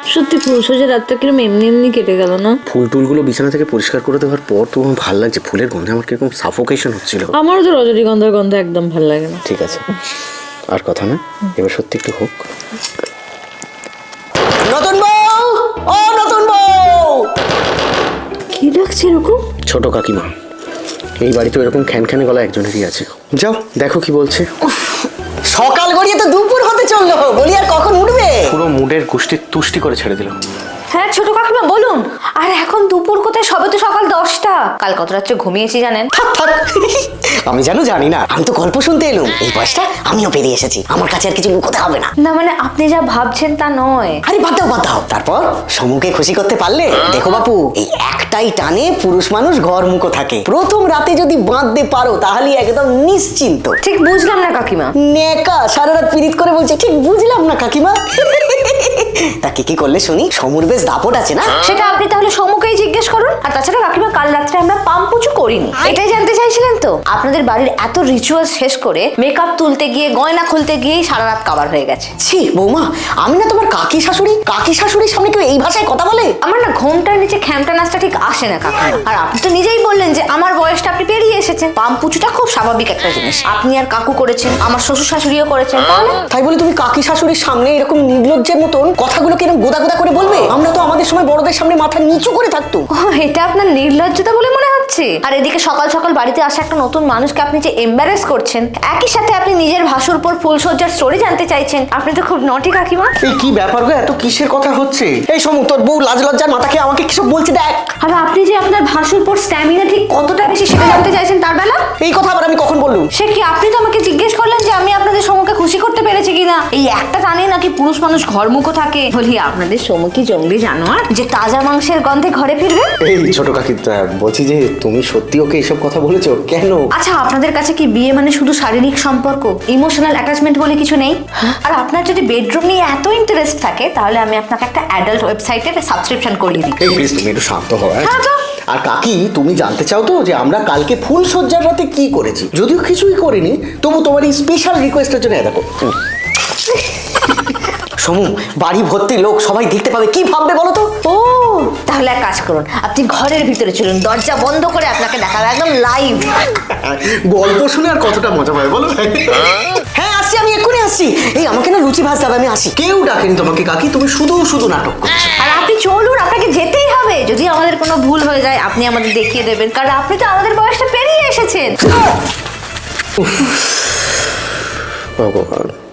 সত্যি ফুলসজ্জা রাতটা কিরকম এমনি এমনি কেটে গেল না? ফুল টুলগুলো বিছানা থেকে পরিষ্কার করে দেওয়ার পর তো আমার ভালো লাগছে, ফুলের গন্ধে আমার কিরকম সাফোকেশন হচ্ছিল। আমারও তো রজনীগন্ধার গন্ধ একদম ভালো লাগে না। ঠিক আছে, আর কথা না, এবার সত্যি একটু হোক। নতুন বউ, ও নতুন বউ। কি লাগছে এরকম? ছোট কাকিমা, এই বাড়িতে এরকম খ্যানখ্যানে গলা একজনেরই আছে। যাও দেখো কি বলছে। সকাল গড়িয়ে তো দুপুর হতে চললো, বলি আর কখন উঠবে? পুরো মুডের গুষ্টি তুষ্টি করে ছেড়ে দিল। হ্যাঁ ছোট কাকিমা বলুন। আর এখন দুপুর কোথায়, সবে তো সকাল 10টা। কাল কত রাত্রে ঘুমিয়েছি জানেন? থাক থাক, আমি জানি না, আমি তো গল্প শুনতে এলুম। এই বয়সটা আমিও পেরিয়ে এসেছি, আমার কাছে আর কিছু লুকোতে হবে না। না মানে আপনি যা ভাবছেন তা নয়। আরে বাদ দাও। তারপর সমুকে খুশি করতে পারলে দেখো বাপু, এই একটাই টানে পুরুষ মানুষ ঘর মুখো থাকে। প্রথম রাতে যদি বাঁধতে পারো তাহলে একদম নিশ্চিন্ত। ঠিক বুঝলাম না কাকিমা। নেকা সারা রাত পীড়িত করে বলছে, ঠিক বুঝলাম না কাকিমা। তা কি করলে শুনি? সমুর বেশ দাপট আছে না? সেটা আপনি তাহলে সমুকেই জিজ্ঞেস করুন। আর তাছাড়া কাকিমা, কাল রাত্রে আমরা পাম্পুচু করিনি, এটাই জানতে চাইছিলেন তো? আপনাদের বাড়ির এত রিচুয়াল শেষ করে মেকআপ তুলতে গিয়ে, গয়না খুলতে গিয়েই সারা রাত কাবার হয়ে গেছে। ছি বৌমা, আমি না তোমার কাকি শাশুড়ির সামনে কেউ এই ভাষায় কথা বলে? আমার না ঘোমটার নিচে খ্যামটা নাচটা ঠিক আসে না কাকিমা। আর আপনি তো নিজেই বললেন যে আমার বয়সটা আপনি পেরিয়ে এসেছেন। পাম্পুচুটা খুব স্বাভাবিক একটা জিনিস। আপনি আর কাকু করেছেন, আমার শ্বশুর শাশুড়িও করেছেন। তাই বলে তুমি কাকি শাশুড়ির সামনে এরকম নির্লজ্জের মতন কথাগুলোকে এরকম গোদা করে বলবে? আমরা তো আমাদের সময় বড়দের সামনে মাথা নিচু করে থাকতাম। ও, এটা আপনার নির্লজ্জতা বলে মনে হচ্ছে? আর এদিকে সকাল সকাল বাড়িতে আসা একটা নতুন মানুষকে আপনি যে এম্বারেস করছেন, একই সাথে আপনি নিজের ভাসুর পর ফুলসজ্জার স্টোরি জানতে চাইছেন। আপনি তো খুব নটি কাকিমা। এই কি ব্যাপার গো, এত কিসের কথা হচ্ছে? এই সমু, তোর বউ লাজ লজ্জার মাথা খেয়ে আমাকে কিসব বলছে দেখ। আর আপনি যে আপনার ভাসুর পর স্ট্যামিনা ঠিক কতটা বেশি সেটা জানতে চাইছেন তার বেলা? এই কথা আবার আমি কখন বললুম? সে কি, আপনি তো আমাকে জিজ্ঞেস করলেন যে আমি আপনাদের সমুখে খুশি করতে পেরেছি কিনা। এই একটা জানি নাকি পুরুষ মানুষ ঘরমুখো থাকে। বলি আপনাদের সমুখী জঙ্গলি জানোয়ার যে তাজা মাংসের গন্ধে ঘরে ফিরবে? এই ছোট কাকি, বলছি যে তুমি সত্যি ওকে এসব কথা বলেছো কেন? আচ্ছা, আপনাদের কাছে কি বিয়ে মানে শুধু শারীরিক সম্পর্ক, ইমোশনাল অ্যাটাচমেন্ট বলে কিছু নেই? আর আপনার যদি বেডরুম নিয়ে এত ইন্টারেস্ট থাকে, তাহলে আমি আপনাকে একটা অ্যাডাল্ট ওয়েবসাইটে সাবস্ক্রিপশন করিয়ে দিই। এই প্লিজ তুমি একটু শান্ত হও। হ্যাঁ তো। আর কাকি, তুমি জানতে চাও তো যে আমরা কালকে ফুল সজ্জার রাতে কি করেছি? যদিও কিছুই করিনি, তবু তোমার এই স্পেশাল রিকোয়েস্টের জন্য দেখো। সমু, বাড়ি ভর্তি লোক, সবাই দেখতে পাবে, কি ভাববে বলো তো? ও, তাহলে এক কাজ করুন, আপনি ঘরের ভিতরে চলুন, দরজা বন্ধ করে আপনাকে দেখাবে একদম লাইভ। গল্প শুনে আর কতটা মজা পায় বলো? হ্যাঁ আসছি, আমি এক্ষুনি আসছি। এই আমাকে না লুচি ভাজতে হবে, আমি আসি। কেউ ডাকেনি তোমাকে কাকি, তুমি শুধু শুধু নাটক করছো। আর আপনি চলুন, আপনাকে যেতেই হবে। যদি আমাদের কোনো ভুল হয়ে যায় আপনি আমাদের দেখিয়ে দেবেন, কারণ আপনি তো আমাদের বয়সটা পেরিয়ে এসেছেন। ভগবান।